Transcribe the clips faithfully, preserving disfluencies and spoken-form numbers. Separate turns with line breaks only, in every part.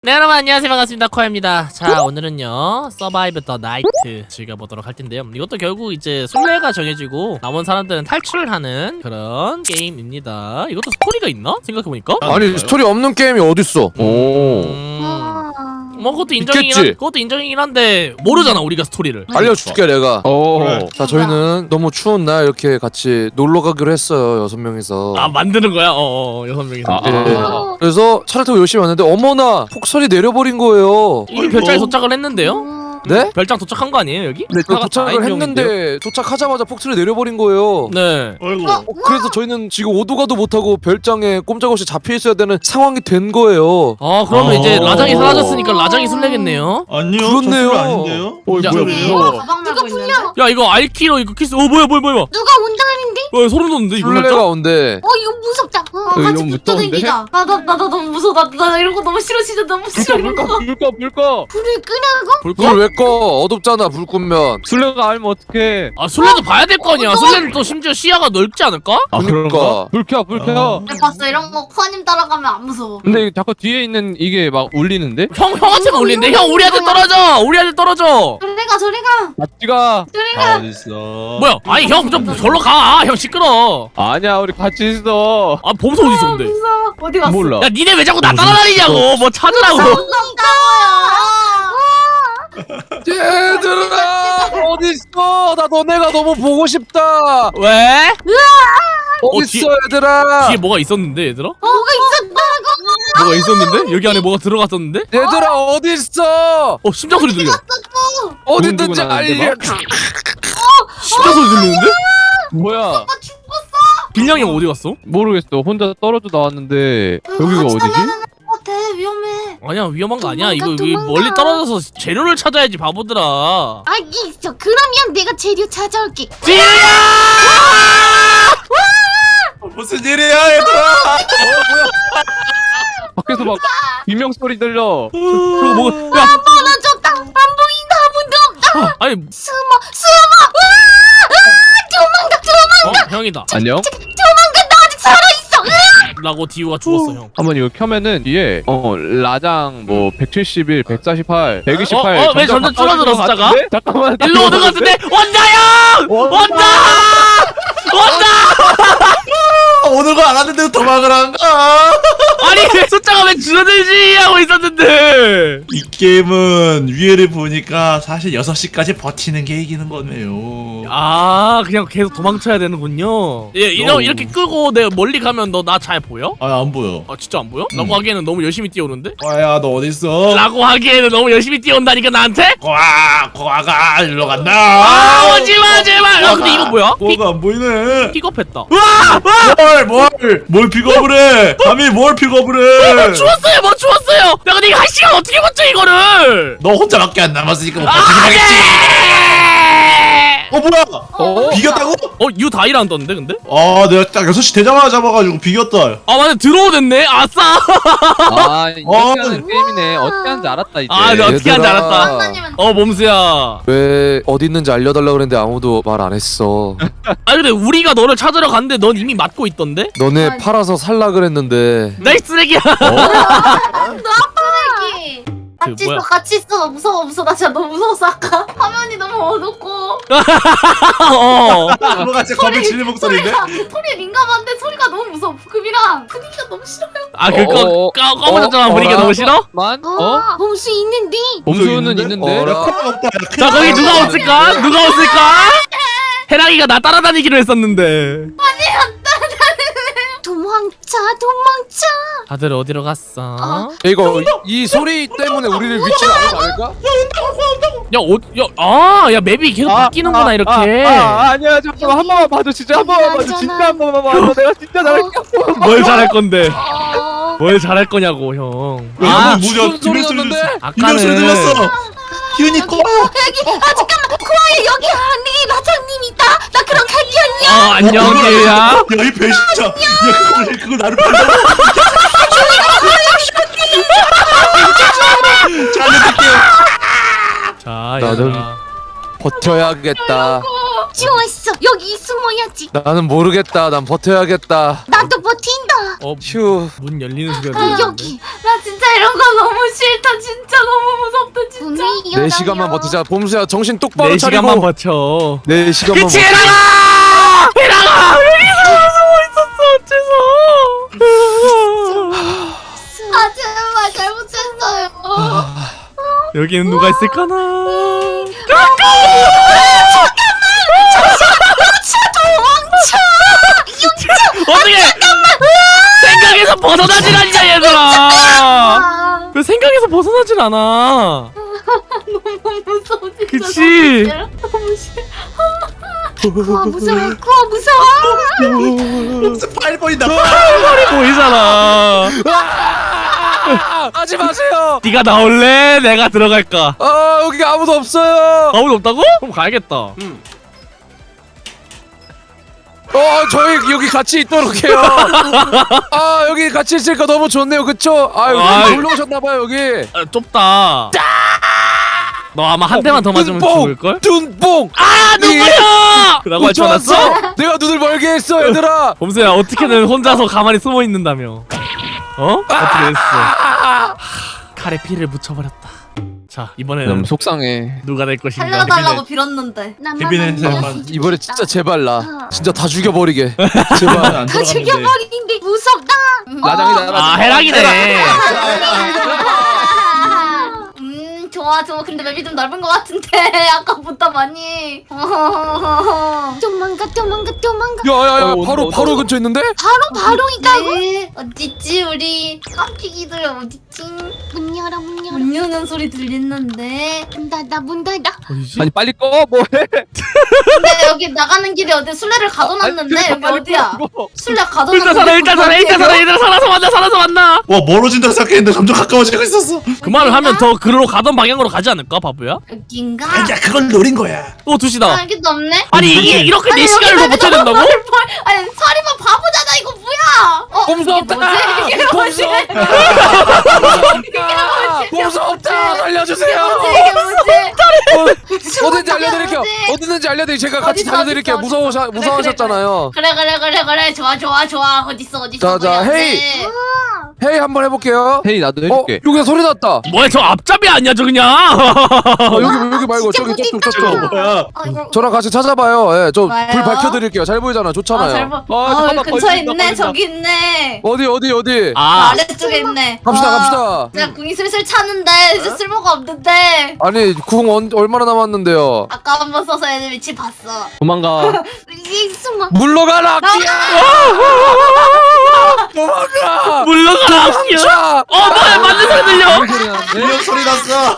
네 여러분 안녕하세요 반갑습니다 코아입니다. 자 오늘은요 서바이브 더 나이트 즐겨보도록 할 텐데요, 이것도 결국 이제 순례가 정해지고 남은 사람들은 탈출을 하는 그런 게임입니다. 이것도 스토리가 있나? 생각해보니까
아니 스토리 없는 게임이 어딨어. 오.
음... 뭐 그것도 인정이긴
있겠지?
한, 그것도 인정이긴 한데 모르잖아 우리가 스토리를.
알려줄게 내가.
오.
그래. 자 저희는 너무 추운 날 이렇게 같이 놀러 가기로 했어요. 여섯 명이서.
아 만드는 거야? 어어 여섯 명이서.
아,
예.
아.
그래서 차를 타고 열심히 왔는데 어머나 폭설이 내려버린 거예요.
이미 별장에 도착을 했는데요?
네?
별장 도착한 거 아니에요 여기?
네, 도착을 했는데 도착하자마자 폭설이 내려버린 거예요.
네.
아이고.
어, 그래서 저희는 지금 오도 가도 못하고 별장에 꼼짝없이 잡혀 있어야 되는 상황이 된 거예요.
아 그러면
아.
이제 라장이 사라졌으니까 라장이 술래겠네요?
아니요.
그렇네요.
저 술래 아닌데요?
어,
야,
뭐야,
네.
무서워.
가방 메고 있는데? 어
야 이거 알키로 이거 키스. 어 뭐야 뭐야 뭐야
누가 온다는데?
어 소름 돋는데 이거
술래가
진짜?
온대.
어 이거 무섭다. 어,
이거
같이
너무
붙어
무서운데?
다니자. 나나 나 나 너무 무서워. 나, 나 이런 거 너무 싫어 진짜 너무 싫어.
불 꺼, 불 꺼, 불 꺼.
불을 끄라고?
불
불
꺼?
왜 꺼? 어둡잖아 불 끄면.
술래가 알면 어떡해.
아 술래도 봐야 될 거 아니야. 술래는 또 심지어 시야가 넓지 않을까?
아,
그러니까.
그런가? 불 켜, 불 켜.
어.
잘 봤어 이런 거 코아님 따라가면 안 무서워.
근데 자꾸 뒤에 있는 이게 막 울리는데?
형 형한테는 올린대. 형 우리한테 떨어져. 우리한테 떨어져.
저리 가 저리 가
같이가.
저리
아,
가.
어딨어?
뭐야? 아니 형 좀 절로 가. 형 시끄러.
아니야, 우리 같이 있어.
아 범수 어디 있어 근데?
무서워. 어디 갔어?
몰라.
야 니네 왜 자꾸 나 따라다니냐고. 뭐 찾으라고.
얘들아 어딨어? 나 너네가 너무 보고 싶다.
왜?
어딨어 얘들아?
뒤에 뭐가 있었는데 얘들아?
뭐가 있었다고?
뭐가 있었는데? 여기 안에 뭐가 들어갔었는데?
얘들아 어딨어?
어 심장 소리 들려.
어딨든지
두근두근 하는데,
알려.
심장 소리 들리는데?
뭐야?
나 죽었어.
빌량이 형 어디 갔어?
모르겠어. 혼자 떨어져 나왔는데 여기가
같이
어디지?
달려가는 것 같아 위험해.
아니야 위험한 거 아니야. 이거
도망가,
여기
도망가.
멀리 떨어져서 재료를 찾아야지 바보들아.
아 있어. 그러면 내가 재료 찾아올게.
무슨 일이야, 얘들아?
밖에서 막 비명 소리 들려.
저거 뭐가? 야
멀어졌다. 안 보인다. 아무도 없다.
아니
숨어 숨어. 으아! 으아! 도망가 도망가.
어 형이다.
안녕?
도망가 나 아직 살아 있어. 으아!
라고 디우가 죽었어 형.
한번 이거 켜면은 뒤에 어 라장 뭐 백칠십일, 백사십팔, 백이십팔.
어, 어, 왜 점점 줄어들어, 숫자가?
같은데? 잠깐만.
일로 오는 것 같은데? 온다 형! 온다! 온다!
오는 거 알았는데 도망을 안 가.
아니 숫자가 왜 줄어들지 하고 있었는데.
이 게임은 위에를 보니까 사실 여섯 시까지 버티는 게 이기는 거네요.
아 그냥 계속 도망쳐야 되는군요. 예, 이러,
어.
이렇게 끄고 내가 멀리 가면 너 나 잘 보여?
아, 안 보여.
아 진짜 안 보여?
음.
라고 하기에는 너무 열심히 뛰어오는데?
과야, 너 어딨어?
라고 하기에는 너무 열심히 뛰어온다니까 나한테?
과아, 과가 일로 간다.
아 오지마 제발. 야 근데 이거 뭐야? 피,
과가 안 보이네.
픽업했다. 우와!
뭘, 뭘, 뭘 픽업을 해? 감히 뭘 픽업을 해?
죽었어요 뭐 죽었어요. 야 근데 이거 한 시간 어떻게 버텨 이거를?
너 혼자밖에 안 남았으니까 못
아,
버티긴 하겠지.
네!
어, 뭐야?
어?
비겼다고?
어? 유 다이라는 떴는데 근데?
아, 내가 딱 여섯 시 되자마자 잡아가지고 비겼다.
아 맞네 들어오 됐네. 아싸.
아, 이렇게
어.
하는 게임이네. 어떻게 하는지 알았다 이제.
아 나 어떻게 하는지
얘들아.
알았다.
만나면
어 몸수야.
왜 어디 있는지 알려달라 그랬는데 아무도 말 안 했어.
아 근데 우리가 너를 찾으러 갔는데 넌 이미 맞고 있던데?
너네
아니.
팔아서 살라 그랬는데.
나이 쓰레기야.
쓰레기.
그
같이
뭐야?
있어 같이 있어. 나 무서워 무서워. 나 진짜 너무 무서웠어 아까. 화면이 너무 어둡고.
어.
뭔가 진짜 겁에 질린 목소리인데?
소리가 소리에 민감한데 소리가 너무 무서워. 급이랑 분위기가 너무 싫어요.
아 그거
어,
까 까먹었잖아.
어,
분위기가
어라?
너무 싫어?
만? 어?
어? 봄수 있는데.
범수는 있는데?
어라?
코가 없다.
자 거기 누가 없을까? 누가 없을까? 해랑이가 나 따라다니기로 했었는데.
도망쳐 도망쳐.
다들 어디로 갔어?
어?
이거 이 소리 때문에 우리를 위치를 알고 아닐까?
야, 어, 야, 아, 야 맵이 계속 바뀌는구나
아,
이렇게.
아, 아, 아니야 잠깐만 한 번만 봐줘 진짜 한 번만 봐줘 진짜 한 번만 봐줘 내가 진짜 잘할게.
뭘 잘할 건데?
어.
뭘 잘할 거냐고 형.
아,
아,
무슨
무슨 소리
소리
났는데?
비명 소리 들렸어. 희은이
여기
거.
여기 아 잠깐만 코아야 여기 안에 라장님 있다. 나 그럼 갈게 안녕.
어 안녕 얘야.
야, 이 배신자. 야, 그걸, 그걸 나를 팔자. 잘해줄게요.
자,
나는-
얘들아.
버텨야겠다.
좋았어. 여기 숨어야지.
나는 모르겠다. 난 버텨야겠다.
나도 버틴다.
어,
휴.
문 열리는 소리가
아,
들리는데.
여기. 나 진짜 이런 거 너무 싫다. 진짜 너무 무섭다. 진짜.
네 시간만 버티자. 봄수야 정신 똑바로
네
차리고.
시간만 버텨.
네 시간만
그치,
버텨.
해랑아! 해랑아! 여기서 숨어 있었어, 어째서.
아 제발 잘못했어요.
여기는 누가 있을까나? 어떻게 생각에서 벗어나질 않냐 얘들아.
아,
왜 생각에서 벗어나질 않아?
너무 무서워 진짜.
그치?
너무 싫어. 구워 무서워. 구워 무서워.
팔 번이다.
머리 보이잖아.
아, 하지 마세요.
네가 나올래? 내가 들어갈까?
아 여기 아무도 없어요.
아무도 없다고? 그럼 가야겠다.
어 저희 여기 같이 있도록 해요. 아 여기 같이 있으니까 너무 좋네요. 그쵸? 아
아이.
여기 놀러 오셨나봐요 여기.
아, 좁다. 너 아마 한 대만 더 맞으면 죽을걸?
눈뽕.
아 누구야? 라고 할 줄 알았어?
좋았어. 내가 눈을 멀게 했어 얘들아.
범수야 어떻게든 혼자서 가만히 숨어 있는다며. 어? 어떻게 됐어? 칼에 피를 묻혀버렸다. 자
너무
이번에는
속상해.
누가 될 것인가?
살려달라고 빌었는데.
케빈의 사람만.
이번에 진짜 제발 나 진짜 다 죽여버리게. 제발.
안
다
들어갔는데.
죽여버린데 무섭다.
라장이다.
아 해랑이네.
음 좋아 좋아. 근데 맵이 좀 넓은 것 같은데 아까보다 많이. 도망가 도망가 도망가.
야야야
어,
바로
온다,
바로
온다.
근처에 있는데?
바로 바로 있다고? 네. 어딨지 우리 깜찍이들 어딨지? 문 열어 문 열어. 문 여는 소리 들리는데. 문 닫아 문 닫아.
어디지?
아니 빨리 꺼 뭐해?
근데 여기 나가는 길에 어디 술래를 가둬놨는데 여기 어디야? 술래 가둬놨는데.
일단 살아 일단 살아 일단 살아 얘들아 살아서 만나 살아서 만나.
와 멀어진다 생각했는데 점점 가까워지고 있었어.
그 말을 하면 더 그로 가던 방향으로 가지 않을까 바보야?
여긴가?
야 그걸 노린 거야.
또 두시다.
아 여기도 없네.
아니 이게 이렇게 네
아니,
시간을 더
여기
버텨야 된다고?
뭘, 뭘, 아니 서리만 바보잖아 이거 뭐야? 어
봄수
이게 뭐지? 이게 뭐지?
봄수 없다. 살려주세요.
이게 뭐지?
어, 어딘지 알려드릴게요.
뭐지?
어딘지 알려드릴게요. 제가 같이
어딨어,
달려드릴게요.
어딨어,
무서우셔
어딨어. 그래,
무서우셨잖아요.
그래 그래 그래 그래 좋아 좋아 좋아 어딨어 어딨어.
자, 자,
거기
헤이.
없네.
헤이 한번 해볼게요.
헤이 나도
어
해줄게.
여기서 소리 났다.
뭐야 저 앞잡이 아니야 저 그냥.
어, 여기 여기 말고
진짜
저기 저쪽
못됐다.
저쪽.
뭐야?
아, 이거-
저랑 같이 찾아봐요. 예, 저
좋아요.
불 밝혀드릴게요. 잘 보이잖아.
아,
좋잖아요.
잘 봐.
아,
아,
잠깐만,
여기 근처에
걸린다,
있네.
걸린다.
저기 있네.
어디 어디 어디?
아
아래쪽에 있네.
갑시다
아,
갑시다.
제가 궁이 슬슬 차는데 이제 쓸모가 없는데.
아니 궁 언, 얼마나 남았는데요?
아까 한 번 써서 애들 위치 봤어.
도망가.
이 숨어.
물러가라.
나가!
도망가.
물러가라 악기야.
자.
어 뭐야 맞는 소리 들려.
인형 소리 났어.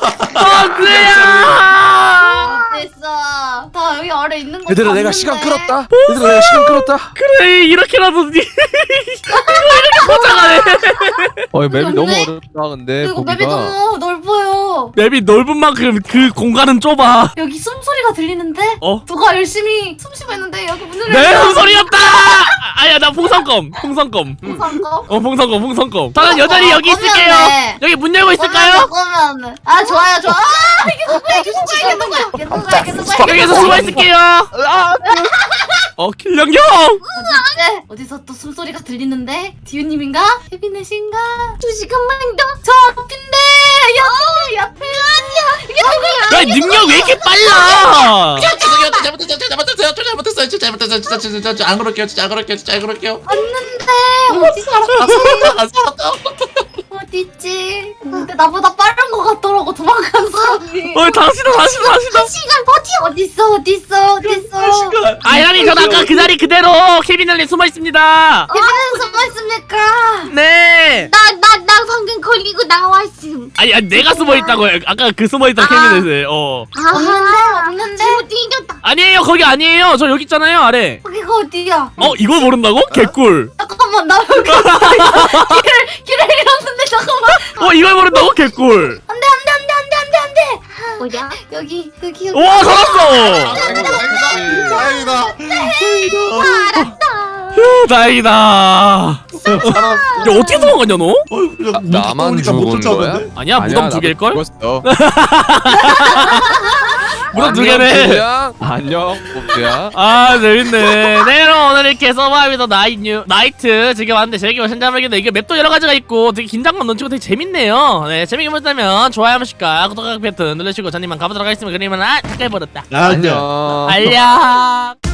범수야.
됐어. 다 여기 아래 있는 거.
얘들아 내가
봤는데.
시간 끌었다. 얘들아 내가 시간 끌었다.
그래 이렇게라도 니 이렇게 포장하네.
어 맵이 너무
없네?
어렵다 근데
그리고 맵이
보기가.
너무 넓어요.
맵이 넓은 만큼 그 공간은 좁아.
여기 숨소리가 들리는데?
어?
누가 열심히 숨 쉬고 있는데 여기 문을
내 숨소리였다. 아야 나 풍선껌 풍선껌.
풍선거?
어 풍선껌 풍선껌. 저는 여전히 여기
어, 꺼면은.
있을게요. 여기 문 열고 있을까요?
꺼면 아 좋아요 좋아. 아 이게 누구야 이게 누구야 이게 누구야 이게 누구야 이게 누구야.
여기서 숨어 있을게요. 어 길령경.
어디지? 어디서 또 숨소리가 들리는데? 디유님인가? 케빈넷인가? 두 시간만 더. 저 앞인데 옆에 옆에 아니야. 이게 누구야?
야 능력 왜 이렇게 빨라?
죄송해요. 잘못했어요. 잘못했어요. 잘못했어요. 진짜 잘못했어요. 진짜 진짜 진짜 안 그럴게요. 진짜 안 그럴게요. 진짜 안 그럴게요.
왔는데 어디 살았지?
안 살았다.
어디지? 근데 나보다 빠른 것 같더라고 도망간 사람이.
어 당신아 당신아 당신아.
시간 버티 어딨어 어딨어 어딨어.
시간.
아이라니 전 아까 그 자리 그대로 케빈을리 숨어 있습니다.
케빈은 숨어 있습니까?
네.
나 나 나 방금 걸리고 나왔음.
아니, 아니 내가 숨어 있다고요. 아까 그 숨어 있던
아.
케빈을. 어.
없는데 없는데 어디 이겼다.
아니에요 거기 아니에요. 저 여기 있잖아요 아래.
거기가 어디야?
어 이걸 모른다고? 개꿀.
잠깐만 나 여기 길을 길을 잃었는데 잠깐만.
어 이걸 모른다고? 개꿀.
안돼 안돼 안돼 안돼 안돼 안돼. 뭐야? 여기 여기 여기.
와 살았어.
다행이다.
휴 다행이다. 야 어떻게 도망갔냐 너?
어,
나만 죽은 거야?
아니야 무덤 두 개일걸?
죽었어.
무덤 두
안녕,
개네.
그냥.
안녕 봄수야.
아 재밌네. 네 여러분 오늘 이렇게 서바이벌 나이 뉴 나이트 즐겨봤는데 재밌게 보셨는지 모르겠는데 이게 맵도 여러 가지가 있고 되게 긴장감 넘치고 되게 재밌네요. 네 재밌게 보셨다면 좋아요 한 번씩과 구독 버튼 누르시고 저님만 가보도록 하겠습니다. 그러면 아 잠깐 버렸다.
안녕.
안녕.
안녕.